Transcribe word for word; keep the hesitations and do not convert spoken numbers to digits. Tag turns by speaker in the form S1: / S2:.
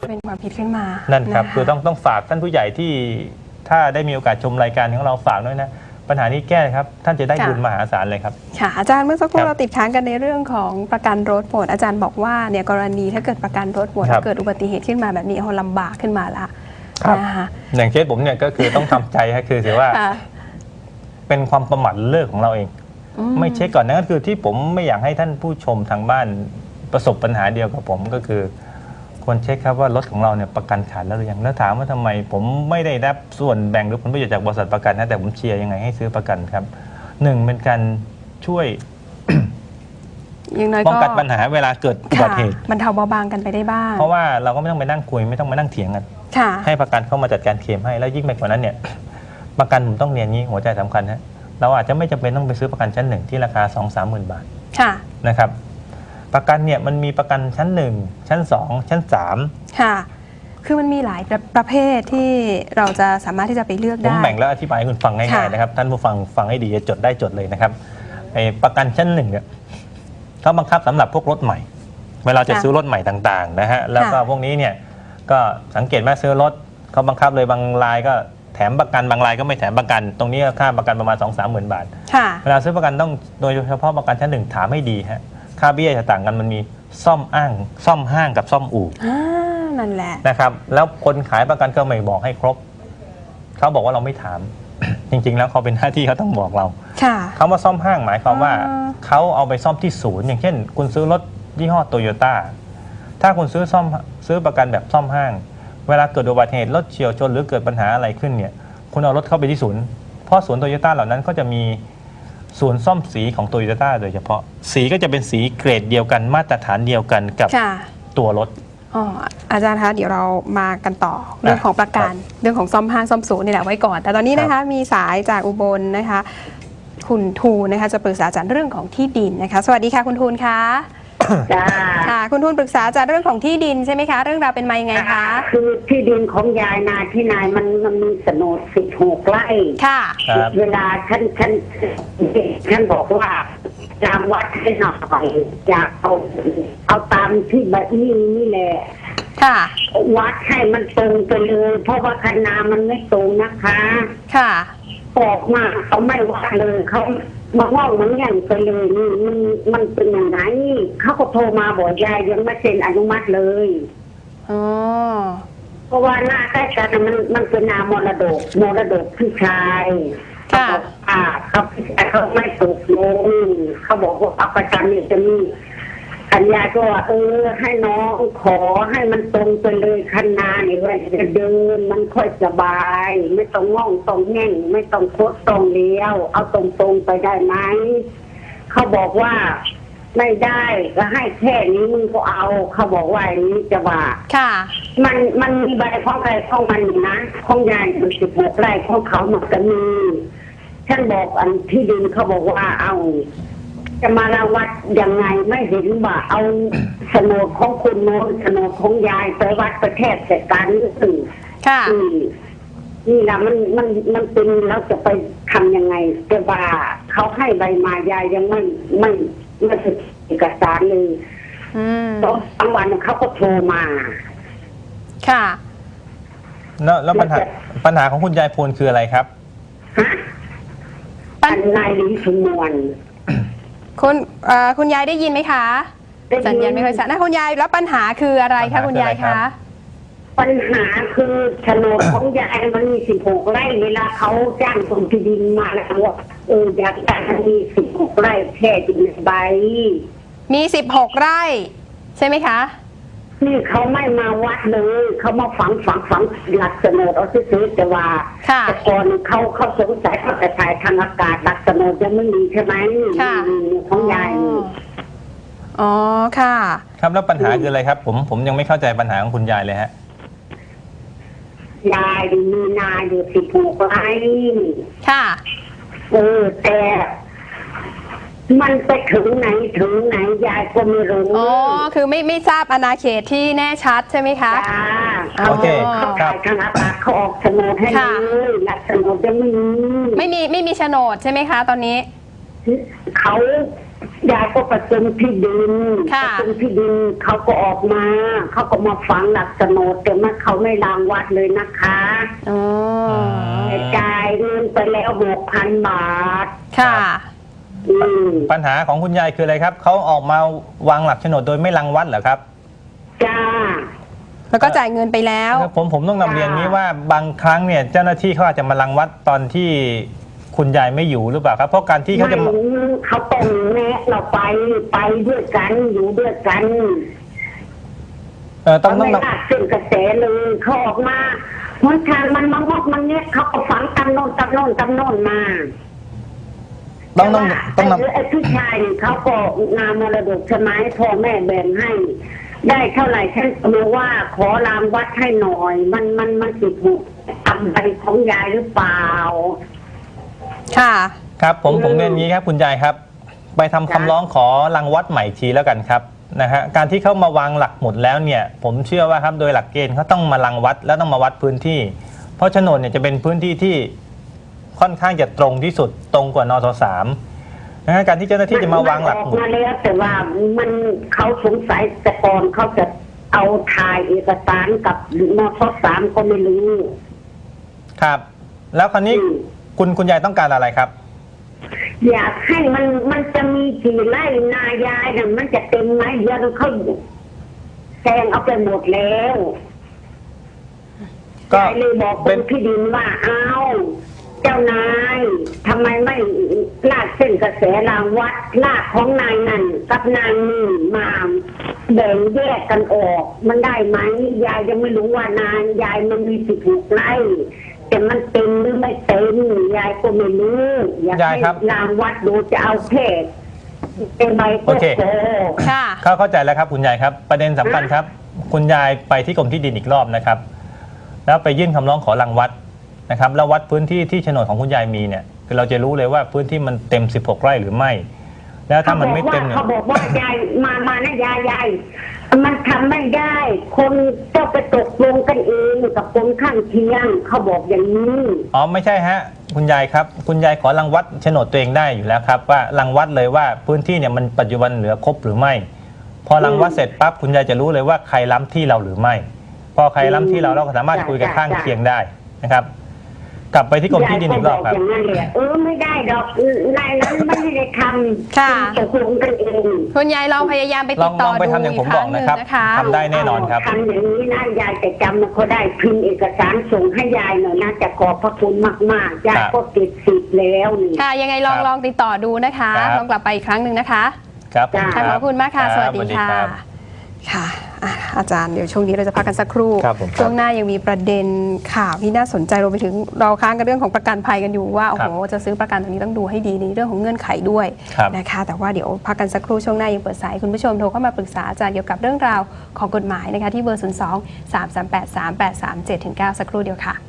S1: เป็นความผิดขึ้นมา
S2: นั่นครับ
S1: ะะ
S2: คือต้องต้องฝากท่านผู้ใหญ่ที่ถ้าได้มีโอกาสชมรายการของเราฝากด้วยนะปัญหานี้แก้ครับท่านจะได้บุญมหาศาลเลยครับ
S1: ค่ะอาจารย์เมื่อสักครู่เราติดค้างกันในเรื่องของประกันรถหมดอาจารย์บอกว่าเนี่ยกรณีถ้าเกิดประกันรถหมดเกิดอุบัติเหตุขึ้นมาแบบนี้โอ้ลำบากขึ้นมาละ
S2: นะคะอย่างเคสผมเนี่ยก็คือต้องทำใจครับคือถือว่าเป็นความประมาทเลิกของเราเองไม่เช็คก่อนนั่นก็คือที่ผมไม่อยากให้ท่านผู้ชมทางบ้านประสบปัญหาเดียวกับผมก็คือควรเช็คครับว่ารถของเราเนี่ยประกันขาดแล้วหรือยังแล้วถามว่าทำไมผมไม่ได้รับส่วนแบ่งหรือผลประโยชน์จากบริษัทประกันนะแต่ผมเชียร์ยังไงให้ซื้อประกันครับหนึ่งเป็นการช่วยป้องกันปัญหาเวลาเกิดอุบัติเหตุ
S1: มันเทาเบาบางกันไปได้บ้าง
S2: เพราะว่าเราก็ไม่ต้องไปนั่งคุยไม่ต้องมานั่งเถียงกันให้ประกันเข้ามาจัดการเคลมให้แล้วยิ่งไปกว่านั้นเนี่ยประกันผมต้องเรียนงี้หัวใจสำคัญนะเราอาจจะไม่จำเป็นต้องไปซื้อประกันชั้นหนึ่งที่ราคา สองถึงสามหมื่น บาทนะครับประกันเนี่ยมันมีประกันชั้นหนึ่งชั้นสองชั้นสาม
S1: ค่ะคือมันมีหลายประเภทที่เราจะสามารถที่จะไปเลือกได้
S2: ผมแบ่งแล้วอธิบายให้คุณฟังง่ายๆนะครับท่านผู้ฟังฟังให้ดีจะจดได้จดเลยนะครับไอ้ประกันชั้นหนึ่งเนี่ยเขาบังคับสำหรับพวกรถใหม่เวลาจะซื้อรถใหม่ต่างๆนะฮะแล้วก็พวกนี้เนี่ยก็สังเกตว่าซื้อรถเขาบังคับเลยบางรายก็แถมประกันบางรายก็ไม่แถมประกันตรงนี้ค่าประกันประมาณ สองถึงสามหมื่น บาทเวลาซื้อประกันต้องโดยเฉพาะประกันชั้นหนึ่งถามให้ดีฮะค่าเบี้ยจะต่างกันมันมีซ่อมอ้างซ่อมห้างกับซ่อมอู่
S1: นั่นแหละ
S2: นะครับแล้วคนขายประกันก็ไม่บอกให้ครบเขาบอกว่าเราไม่ถาม จริงๆแล้วเขาเป็นหน้าที่เขาต้องบอกเราคำว่าซ่อมห้างหมายความว่าเขาเอาไปซ่อมที่ศูนย์อย่างเช่นคุณซื้อรถยี่ห้อโตโยต้าถ้าคุณซื้อซ่อมซื้อประกันแบบซ่อมห้างเวลาเกิดอุบัติเหตุรถเฉี่ยวชนหรือเกิดปัญหาอะไรขึ้นเนี่ยคุณเอารถเข้าไปที่ศูนย์เพราะศูนย์โตโยต้าเหล่านั้นก็จะมีศูนย์ซ่อมสีของโตโยต้าโดยเฉพาะสีก็จะเป็นสีเกรดเดียวกันมาตรฐานเดียวกันกับตัวรถ
S1: อ๋ออาจารย์คะเดี๋ยวเรามากันต่อเรื่องของประกันเรื่องของซ่อมห้างซ่อมศูนย์นี่แหละไว้ก่อนแต่ตอนนี้นะคะมีสายจากอุบลนะคะคุณทูนนะคะจะปรึกษาอาจารย์เรื่องของที่ดินนะคะสวัสดีค่ะคุณทูนคะ
S3: จ้า
S1: ค่ะคุณทูนปรึกษาอาจารย์เรื่องของที่ดินใช่ไหมคะเรื่องราวเป็นมายังไงคะ
S3: คือที่ดินของยายนาที่นายมันมันมีโฉนดสิบหกไร่
S1: ค่ะ
S3: เวลาฉันฉันฉันบอกว่าจำวัดให้หน่อยอยากเอาเอาตามที่แบบนี้นี่แหละ
S1: ค่ะ
S3: วัดให้มันตรงไปเลยเพราะว่าคณามันไม่ตรงนะคะ
S1: ค่ะ
S3: ออกมาเขาไม่วัดเลยเขามาว่ามันอย่างไปเลยนี่มันมันเป็นอย่างไรเขาก็โทรมาบอกยายยังไม่เซ็นอนุมัติเลย
S1: อ๋อ
S3: เพราะว่าหน้าใกล้กันมันมันเป็นนามรดกมรดกพี่ชาย
S1: ค่ะ
S3: อ่าเขาเขาไม่ตกลงเขาบอกว่าเอาประกันนี่จะมีอัญญาก็ว่าเออให้น้องขอให้มันตรงไปเลยคันนาเนี่ยว่าจะเดินมันค่อยสบายไม่ต้องง่องต้องแง่งไม่ต้องโคตรตรงเลี้ยวเอาตรงๆไปได้ไหมเขาบอกว่าไม่ได้ก็ให้แค่นี้มึงก็เอาเขาบอกว่าอย่างนี้จะว่า
S1: ค่ะ
S3: มันมันมีใบของใครของมันนะของยายมันสิบหกไร่ของเขาหมดกันมีฉันบอกอันที่ดินเขาบอกว่าเอาจะมาละวัดยังไงไม่เห็นว่าเอาโฉนดของคุณโน้ตโฉนดของยายไปวัดประเทศเสร็จการนี่สิ
S1: ค่ะ
S3: นี่แหละมันมันมันเป็นแล้วจะไปทำยังไงจะว่าเขาให้ใบมายายยังไม่ไม่ไม่ถึงเอกสารเลยตอนกลางวันเขาก็โทรมา
S1: ค่ะ
S2: แล้วแล้วปัญหาปัญหาของคุณยายพลคืออะไรครับ
S3: ฮะปัญนายลิ้นชุมนวล
S1: คุณคุณยายได้ยินไหมคะสัญญาณไม่ค่อยชัดนะคุณยายแล้วปัญหาคืออะไรคะคุณยายคะ
S3: ปัญหาคือโฉนดของยายมันมีสิบหกไร่เวลาเขาจ้างส่งที่ดินมาแล้วว่าเอออยากได้มีสิบหกไร่แค่ดินใบ
S1: มีสิบหกไร่ใช่ไหมคะ
S3: นี่เขาไม่มาวัดเลยเขามาฝังฝังฝังหลักโฉนดเอาซื้อจะว่าแต่ก่อนเขาเขาสงสัยเขาจะถ่ายทางอากาศหลักโฉนดยังไม่มีใช่ไหมของยาย
S1: อ๋อค่ะ
S2: ครับแล้วปัญหาคืออะไรครับผมผมยังไม่เข้าใจปัญหาของคุณยายเลยฮะ
S3: ยายมีนาอยู่สิบหกไร่
S1: ค่ะ
S3: เออแต่มันไปถึงไหนถึงไหนยายก็ไม่รู้
S1: อ๋อคือไม่ไม่ทราบอาณาเขตที่แน่ชัดใช่ไหมคะ
S3: โอเคครับทางอากาศเขาออกโฉนดให้เลยหลักโฉนดยังไม่มี
S1: ไม่มีไม่มีโฉนดใช่ไหมคะตอนนี้
S3: เขายายก็ประจมที่ดินป
S1: ค่ะ
S3: ระจมที่ดินเขาก็ออกมาเขาก็มาฝังหลักโฉนดแต่ว่าเขาไม่รางวัดเลยนะคะ
S1: อ๋อ
S3: แต่จ่ายเงินไปแล้วหกพันบาท
S1: ค่ะ
S3: อืม
S2: ปัญหาของคุณยายคืออะไรครับเขาออกมาวางหลักโฉนดโดยไม่รังวัดเหรอครับ
S3: จ้า
S1: แล้วก็จ่ายเงินไปแล้ว
S2: ผมผมต้องนำเรียนนี้ว่าบางครั้งเนี่ยเจ้าหน้าที่เขาอาจจะมารังวัดตอนที่คุณยายไม่อยู่หรือเปล่าครับ เพราะการที่เขาจะ
S3: ไม่
S2: มา
S3: เขาต้องแนะเราไปไปด้วยกันอยู่ด้วยกัน
S2: เออต้อง
S3: เขา
S2: ต้อง
S3: ไม่ลากเส้นกระแสเลยเขาออกมาหนทางมันมามอกมันเนี้ยเขาก็ฝังตำโนนตำโนนตำโนนมา
S2: ต้องต้อง
S3: แต่
S2: ต้อง
S3: ว่าไอ้ผู้ชายนี่เขาก็งานมรดกใช่ไหมพ่อแม่แบ่งให้ ได้เท่าไหร่ฉันก็รู้ว่าขอรางวัดให้หน่อย มันมันมันสิถูกทำใบของยายหรือเปล่า
S1: ค่ะ
S2: ครับผม
S3: อืม
S2: ผมเรียนอย่างนี้ครับคุณยายครับ ไปทำคำร้องขอรังวัดใหม่อีกทีแล้วกันครับนะฮะการที่เขามาวางหลักหมุดแล้วเนี่ย ผมเชื่อว่าครับโดยหลักเกณฑ์เขาต้องมารังวัดแล้วต้องมาวัดพื้นที่ เพราะโฉนดเนี่ยจะเป็นพื้นที่ที่ค่อนข้างจะตรงที่สุดตรงกว่านสสามนะฮะการที่เจ้าหน้าที่จะมาวางหลักหมุด
S3: นออกมาแล้วแต่ว่ามันเขาสงสัยแต่ก่อนเขาจะเอาถ่ายเอกสารกับมทสามก็ไม่รู้
S2: ครับ แล้วคราวนี้
S3: อืม
S2: คุณคุณยายต้องการอะไรครับ
S3: อยากให้มันมันจะมีกี่ไร่นายายน่ะมันจะเต็มไหมเดี๋ยวเขาแซงเอาไปหมดแล้ว
S2: ก็
S3: ยายเลยบอกค
S2: เป็น
S3: นที่ดินว่าเอาเจ้านายทำไมไม่ลากเส้นกระแสรางวัดลากของนายนั่นกับนายนี่มาแบ่งแยกกันออก มันได้ไหมยายยังไม่รู้ว่านายยายมันมีสิบหกไร่แต่มันเต็มหรือไม่เต็มยายก็ไม่รู้อยาก
S2: ยาย
S3: ให้
S2: ครับ
S3: รางวัดดูจะเอาแค่เป็นใบ
S2: โอ
S3: ก็
S2: เค
S3: พอ
S1: ค่ะ
S2: เข้าเข้าใจแล้วครับคุณยายครับ ประเด็นสำคัญครับ คุณยายไปที่กรมที่ดินอีกรอบนะครับ แล้วไปยื่นคำร้องขอรังวัดนะครับ แล้ววัดพื้นที่ที่โฉนดของคุณยายมีเนี่ยคือเราจะรู้เลยว่าพื้นที่มันเต็มสิบหกไร่หรือไม่ แล้วถ้ามันไม่เต็มเนี่ย
S3: เขาบอกว่ายายมามานะยายยายมันทำไม่ได้ คนเจ้าไปตกลงกันเองกับคนข้างเคียงเขาบอกอย่างนี้
S2: อ๋อไม่ใช่ฮะคุณยายครับคุณยายขอรังวัดโฉนดตัวเองได้อยู่แล้วครับว่ารังวัดเลยว่าพื้นที่เนี่ยมันปัจจุบันเหลือครบหรือไม่ พอรังวัดเสร็จปั๊บคุณยายจะรู้เลยว่าใครล้ำที่เราหรือไม่ พอใครล้ำที่เราเราก็สามารถคุยกับข้างเคียงได้นะครับ กลับไปที่กรมที่ดินอีกรอบครับ
S3: ยายก็บอกอย่างนั้นเลยเออไม่ได้ดอกนายนั้นไม่ได้ทำ
S1: ค่ะ
S3: ตกลงกันเอง
S1: คุณยายลองพยายามไป
S2: ล
S1: ติ
S2: อง
S1: ดต่
S2: ล
S1: อ
S2: องไป
S1: ดู
S2: ทำอย่าง
S1: อี
S2: ผ
S1: ก
S2: ม
S1: ค
S2: บอ
S1: รั้
S2: ก
S1: งหนึ่ง
S2: นะครับ
S1: นะคะ
S2: ทำได้แน่นอนครับ
S3: ทำอย่างนี้นะยายจะจำมันก็ได้พิมพ์เอกสารส่งให้ยายหน่อยนะจะขอบพระคุณมากๆยายก็ติดสิทธิ์แล้วนี่
S1: ค่ะ ยังไงลอง
S2: ครับ
S1: ลองติดต่อดูนะคะ
S2: ครับ
S1: ลองกลับไปอีกครั้งหนึ่งนะคะ
S2: ครับผม
S1: ค่ะขอบคุณมากค่ะ
S2: รับ
S1: สวัสดีค่ะ
S2: รับ
S1: ค่ะอ่ะ อาจารย์เดี๋ยวช่วงนี้เราจะพักกันสักครู่
S2: ครับผมครับ
S1: ช่วงหน้ายังมีประเด็นข่าวที่น่าสนใจรวมไปถึงเราค้างกันเรื่องของประกันภัยกันอยู่ว่าโอ้โหจะซื้อประกันตรงนี้ต้องดูให้ดีในเรื่องของเงื่อนไขด้วย
S2: ครับ
S1: นะคะแต่ว่าเดี๋ยวพักกันสักครู่ช่วงหน้ายังเปิดสายคุณผู้ชมโทรเข้ามาปรึกษาอาจารย์เกี่ยวกับเรื่องราวของกฎหมายนะคะที่เบอร์ ศูนย์ สอง สาม สาม แปด สาม แปด สาม เจ็ด เก้า สักครู่เดียวค่ะ